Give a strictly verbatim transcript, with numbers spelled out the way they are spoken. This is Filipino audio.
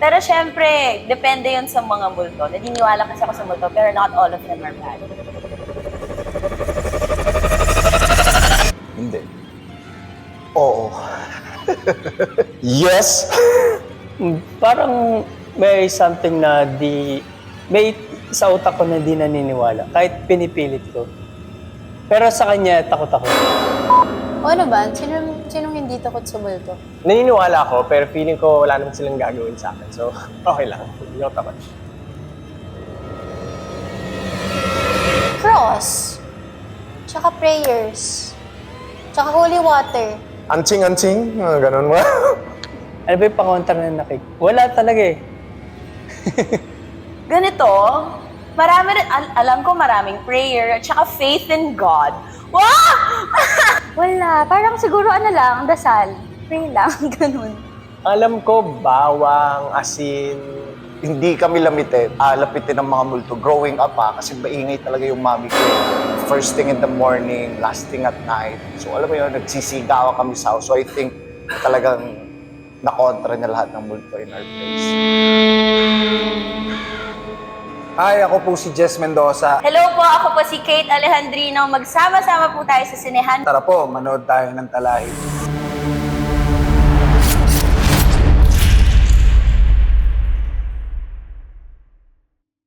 Pero syempre, depende yun sa mga multo. Naniniwala kasi ako sa multo, pero not all of them are bad. Hindi. Oo. Yes! Mm, Parang may something na di... May sa utak ko na di naniniwala, kahit pinipilit ko. Pero sa kanya, takot ako. O ano ba? Sino, sinong hindi takot sa multo? Naniniwala ako, pero feeling ko wala naman silang gagawin sa akin. So, okay lang. Hindi ako takot. Cross. Tsaka prayers. Tsaka holy water. Anching-anching, uh, ganun mo. Ano ba yung pangontra na nakik? Wala talaga eh. Ganito, marami rin, al- alam ko maraming prayer, at saka faith in God. Wow! Wala. Parang siguro ano lang, dasal. Pray lang, ganun. Alam ko, bawang, asin. Hindi kami lamitin, ah, lapitin ng mga multo. Growing up pa, kasi maingay talaga yung mami ko. First thing in the morning, last thing at night. So alam mo yun, nagsisigawa kami sa house. So I think talagang nakontra niya lahat ng multo in our place. Hi, ako po si Jess Mendoza. Hello po, ako po si Kate Alejandrino. Magsama-sama po tayo sa sinehan. Tara po, manood tayo ng talahib.